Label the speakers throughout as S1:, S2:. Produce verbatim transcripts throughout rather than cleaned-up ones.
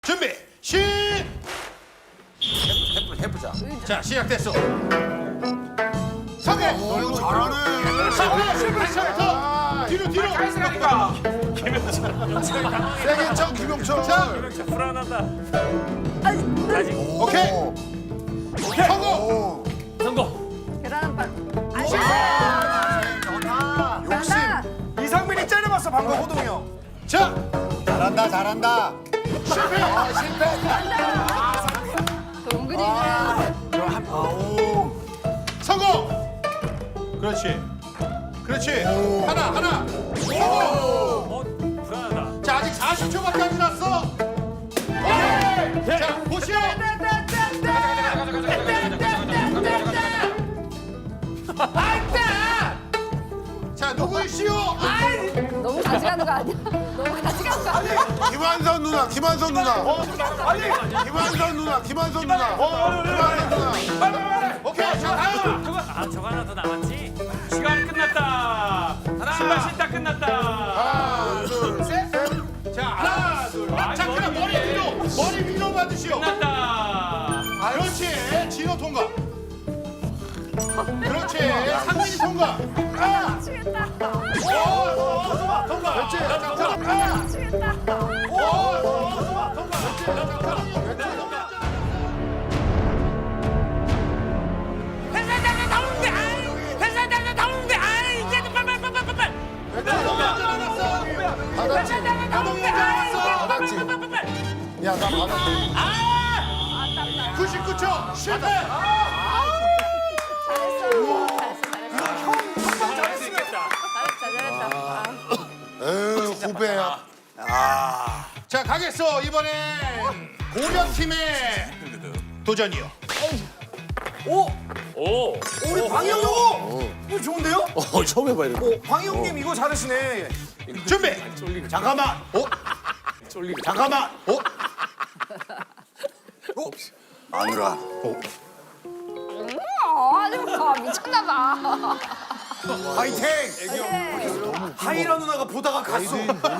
S1: 준비 시.
S2: 해보자.
S1: 자 시작됐어. 성해.
S2: 오, 이거 잘하네.
S1: 성해. 실패. 뒤로 뒤로.
S3: 가있으라니까.
S2: 세게 쳐 김용철.
S1: 자
S3: 불안하다.
S1: 오케이.
S3: 오케이.
S1: 성공.
S2: 오.
S3: 성공.
S4: 계란빵. 안
S2: 전화. 욕심.
S4: 된다.
S3: 이상민이 째려봤어 방금 호동이 형.
S1: 자
S2: 잘한다 잘한다.
S1: 실패.
S2: 아 실패.
S4: 동근이
S2: 아, 오.
S1: 성공. 그렇지. 그렇지.
S2: 오.
S1: 하나 하나. 성공.
S3: 어 불안하다.
S1: 자 아직 사십 초밖에 안 지났어. 오케이. 자 보시오. 자 누구시오?
S4: 너무 같이 가는 거 아니야? 너무 같이 가는 거 아니야?
S2: 김한선 누나 김한선 누나.
S3: 아니.
S2: 김한선 누나 김한선 누나. 김한선 누나.
S1: 오케이. 자 다음.
S3: 저거 아 저거 하나 더 남았지. 시간 끝났다. 신발 신다 끝났다.
S1: 하나 둘 셋. 자 하나 둘.
S3: 아,
S1: 자 그럼 머리 위로 머리 위로 받으시오.
S3: 끝났다.
S1: 그렇지. 진호 통과. 그렇지. 상민이 통과. 아.
S4: 미치겠다.
S1: 오, 통과. 통과. 그렇지. 아.
S4: 미치겠다.
S1: 오, 통과. 통과.
S3: 회사장에 나오는데 아이. 회사장에 나오는데 아이. 이제 빨빨빨빨빨빨. 회사장에 나오는데 아이.
S2: 받았지. 야 나 받았지.
S3: 아.
S1: 구십구 초 실패.
S3: 잘할 수 있겠다.
S4: 잘했다, 잘했다.
S2: 에휴 후배야. 아.
S1: 자 가겠어. 이번엔 고려 팀의 도전이요.
S3: 오. 오.
S5: 우리 방영 형! 이거 좋은데요?
S6: 어, 처음 해봐 이런 거.
S5: 어, 방영 님 이거 잘하시네.
S1: 준비. 잠깐만. 어?
S6: 쫄리게.
S1: 잠깐만. 어?
S2: 마누라.
S4: 어, 아주 봐. 미쳤나 봐.
S2: 화이팅.
S5: 하이라 누나가 보다가 갔어.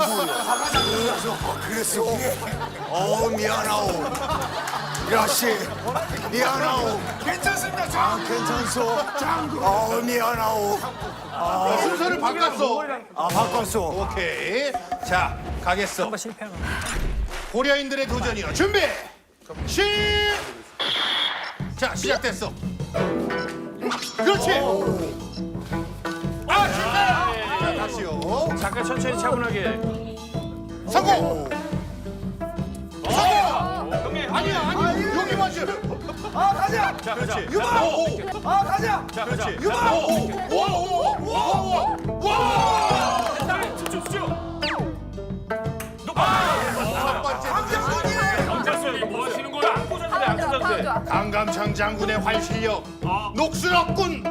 S2: 그랬어. 어 미안하오. 야씨 미안하오.
S5: 괜찮습니다.
S2: 아
S5: 장.
S2: 괜찮소. 짱구. 어 미안하오.
S1: 어, 순서를 바꿨어.
S2: 아 바꿨어.
S1: 오케이. 자 가겠어.
S3: 한번 실패하면.
S1: 고려인들의 도전이요. 준비. 시. 자 시작됐어. 그렇지. 아 실패. 자 다시요.
S3: 잠깐 천천히 차분하게.
S1: 성공. 성공.
S3: 형님.
S1: 아니야 아니 여기 맞지.
S5: 아 가자.
S3: 자 가자.
S1: 그렇지. 오.
S5: 아 가자.
S3: 자 가자.
S1: 그렇지. 오오오오오오와.
S3: 자 집중 집중.
S1: 첫 번째 도전.
S3: 경찰서 이거 뭐 하시는 거야? 안 꽂았는데 안
S4: 파운 좋아, 파운
S3: 꽂았는데.
S4: 좋아.
S1: 강감창 장군의 활실력 녹슬었군.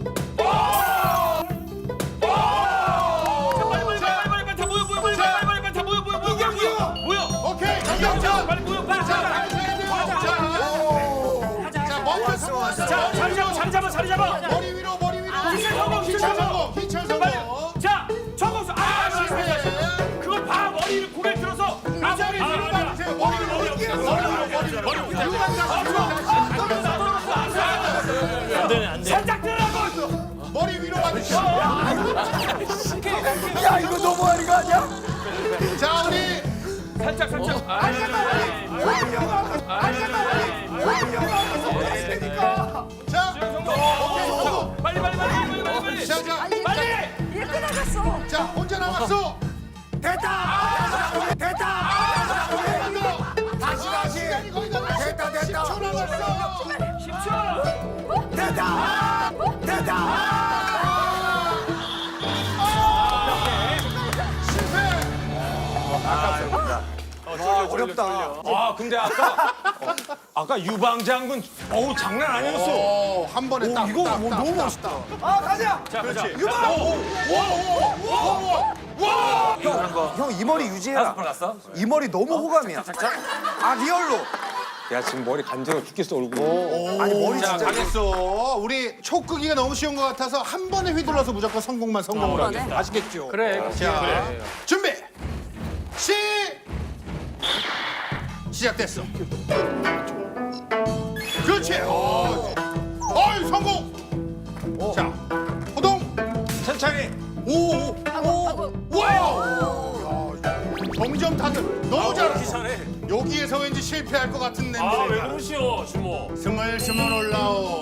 S3: 빨리 빨리 빨리 빨리 빨리 다 모여 모여 모여 빨리 빨리 빨리 다 모여 모여 모여 모여 모여 모여.
S1: 오케이 강감창.
S3: 빨리 모여 빨리
S1: 자
S3: 자.
S1: 가셔야 돼요. 자, 자 먼저 성공하자.
S3: 자 자리 잡아 자리 잡아 자리 잡아.
S1: 머리 위로 머리 위로.
S3: 희철 성공,
S1: 희철
S3: 희철
S1: 성공. 희철
S3: 빨리.
S1: 성공.
S3: 자 정국수 아 실패. 그걸 봐 머리를 고개 들어서. 아 머리
S1: 머리 받으세요. 머리 위로 머리 위로 머리 위로 머리 위로.
S3: 살짝 들어가고.
S1: 머리 위로 받으시오.
S5: 야 이거 너무하는 거 아니야?
S1: 자 우리
S3: 살짝 살짝.
S1: 자 오케이 성공.
S3: 빨리 빨리 빨리 빨리 빨리 빨리.
S1: 자, 자,
S4: 아니,
S3: 빨리.
S4: 얘 끝나갔어.
S1: 자 혼자 남았어.
S2: 됐다. 됐다.
S1: 다시 다시. 시간이 거의 다 남았어.
S2: 됐다, 됐다.
S1: 십 초 남았어.
S3: 십 초.
S2: 됐다. 됐다.
S5: 어렵다.
S3: 아 근데 아까 아까 유방장군 어우 장난 아니었어.
S1: 오, 한 번에 딱.
S5: 이거
S1: 딱,
S5: 뭐
S1: 딱,
S5: 너무
S1: 딱,
S5: 멋있다.
S1: 딱.
S5: 아 가자.
S3: 자 가자.
S1: 유방.
S5: 형 이 머리 유지해라.
S3: 다섯 번 갔어?
S5: 이 머리 너무 호감이야. 아 리얼로.
S6: 야 지금 머리 간지러워 죽겠어 얼굴.
S5: 아니 머리
S1: 자
S5: 진짜.
S1: 가겠어. 우리 촉 끄기가 너무 쉬운 것 같아서 한 번에 휘둘러서 무조건 성공만 성공을 하게. 아시겠죠?
S3: 그래.
S1: 자 준비. 시. 시작됐어. 그렇지. 어, 어이 성공. 자, 호동.
S3: 천천히.
S1: 오,
S4: 하고 하고.
S1: 와우. 야, 점점 다들 너무 잘해.
S3: 기사네.
S1: 여기에서 왠지 실패할 것 같은
S3: 아, 왜
S1: 냄새가.
S3: 그러시오, 주모.
S1: 스멀스멀 올라오.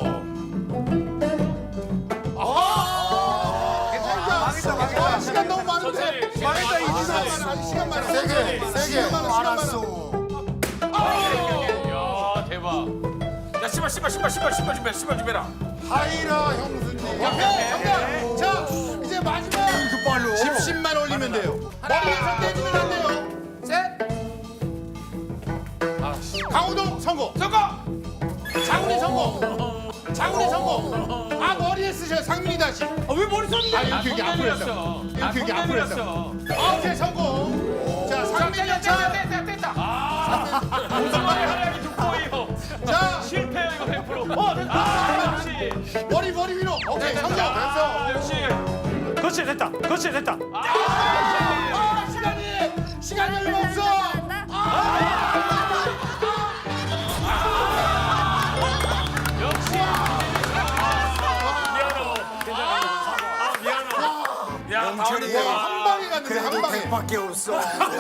S1: 아, 괜찮다.
S5: 망했다, 망했다.
S1: 아, 시간 너무 많은데.
S3: 천천히.
S1: 망했다. 이
S3: 아,
S1: 시간
S3: 네.
S1: 많아. 아직 시간 많아.
S2: 세게, 세게.
S1: 시간 많아. 시간
S2: 알았어.
S3: 야, 대박. 야, 씨발, 씨발, 씨발, 씨발, 씨발 준비해, 씨발 준비해라.
S2: 하이라 형수님.
S1: 옆에 정답. 자, 이제 마지막. 집십만 올리면 돼요. 머리에서 떼주면 안 돼요. 셋. 강호동 성공.
S3: 성공!
S1: 장훈이 성공. 장훈이 성공. 아 머리에 쓰셔. 상민이 다시.
S3: 아, 왜 머리 썼는데?
S1: 아 이렇게 여기 앞으로 했어. 이렇게 여기 앞으로 했어. 아 오케이 성공. 자 상민이 차.
S3: 뗐다, 뗐다. 아, 무슨 말이 하려니 돋보이요.
S1: 자
S3: 실패야, 이거 백 퍼센트. 어, 됐다. 아, 역시.
S1: 머리 머리 위로. 오케이 성공.
S3: 아, 역시.
S7: 그렇지 됐다 그렇지 됐다
S1: 아 시간이 시간이 얼마 없어.
S3: 역시. 미안하고. 아, 미안하고. 야, 다음에 또 와.
S1: 한 방에 갔는데 한 방에.
S2: 밖에 없어.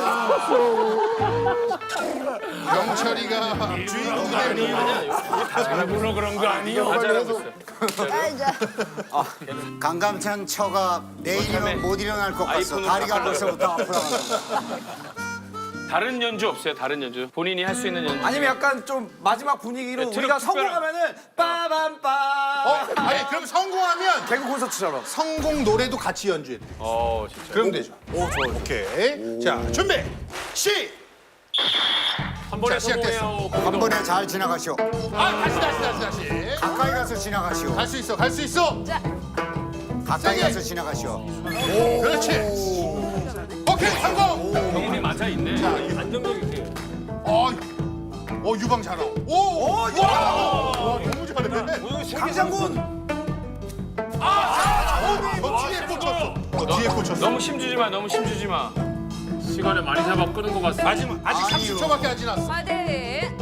S1: 영철이가 주인공이 되는.
S3: 잘해보러 그런 거 아니요.
S4: 자 이제.
S2: 강감찬 처가 내일이면 못 일어날 것 같소. 다리가 벌써부터 아프다고.
S8: 다른 연주 없어요? 다른 연주? 본인이 할 수 있는 연주?
S5: 아니면 약간 좀 마지막 분위기로
S8: 네,
S5: 우리가
S8: 특별한-
S5: 성공하면은 빠밤빠.
S1: 어 아니 그럼 성공하면
S5: 개그 콘서트처럼.
S1: 성공 노래도 같이 연주해.
S8: 어, 진짜.
S1: 그럼 되죠. 오 좋아. 오케이. 자 준비. 시.
S3: 한 번에
S1: 자, 시작됐어.
S3: 성공해요.
S2: 한 번에 잘 지나가시오.
S1: 아 다시 다시 다시 다시.
S2: 가까이 가서 지나가시오.
S1: 갈 수 있어 갈 수 있어.
S4: 자.
S2: 가까이
S1: 세게.
S2: 가서 지나가시오.
S1: 그렇지. 오케이 성공.
S8: 경험이 맞아 있네.
S3: 안정적 있게.
S1: 어, 어 유방 잘하고. 오, 오, 와, 와, 너무 잘해.
S5: 강장군.
S1: 어, 뒤에 꽂혔어. 어, 뒤에 꽂혔어.
S8: 너무 힘주지 마, 너무 힘주지 마.
S3: 시간을 많이 잡아 끄는 것 같습니다.
S1: 아직 아직 삼십 초밖에 안 지났어.
S4: 파이팅.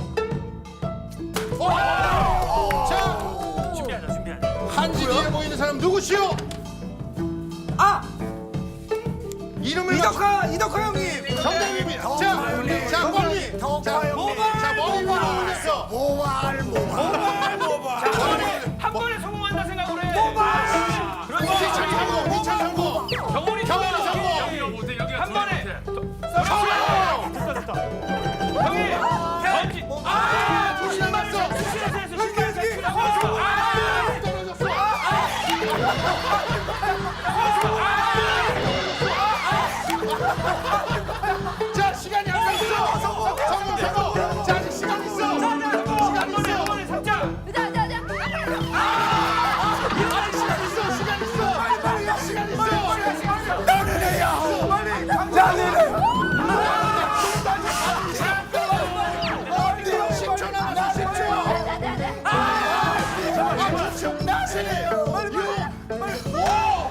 S1: 어, 자,
S3: 준비하자, 준비하자.
S1: 한지 뒤에 보이는 사람 누구시오?
S5: 아
S1: 이름을 맞춰.
S5: 이덕화 이덕화 형님.
S1: 정답입니다. 자, 자 머리. 자, 자 머리 위로 올렸어.
S2: 모발 모발.
S8: 한 번에 성공한다 생각을 해.
S1: 그렇지, 미천 성공, 미천 성공.
S8: 경원이
S1: 경원이 성공.
S3: 여기가 못해, 여기가
S8: 한 번에.
S1: 성공.
S7: 됐다 됐다
S8: 형이 던지.
S1: 아, 둘이 남았어. 아, 떨어졌어. 자, 시간이 안 있어. 성공, 성공, 성공. 자, 아직 시간 있어. 시간 있어.
S4: 자, 자, 자.
S1: 아직 시간 있어. 시간 있어. 시간 있어. 십 초 남았어. 십 초. 아, 십 초. 나시. 육. 오.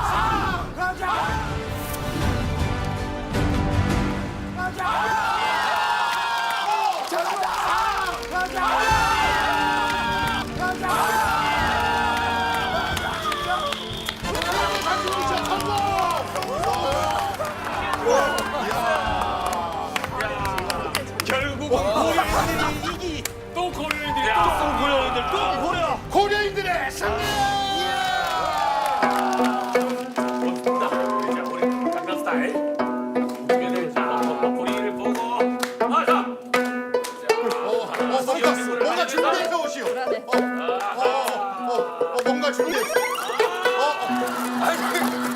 S3: 결국은 고려인들이 이기. 또 고려인들이 또 고려인들 또 고려.
S1: 고려인들의 승리!
S3: 멋있다. 자, 우리 강남 스타일. 고개를 자, 머리를 보고. 아, 자.
S1: 어, 뭔가, 뭔가 준비해서 오시오.
S4: 그러네.
S1: 어, 어, 어, 어, 뭔가 준비했어. 어, 어.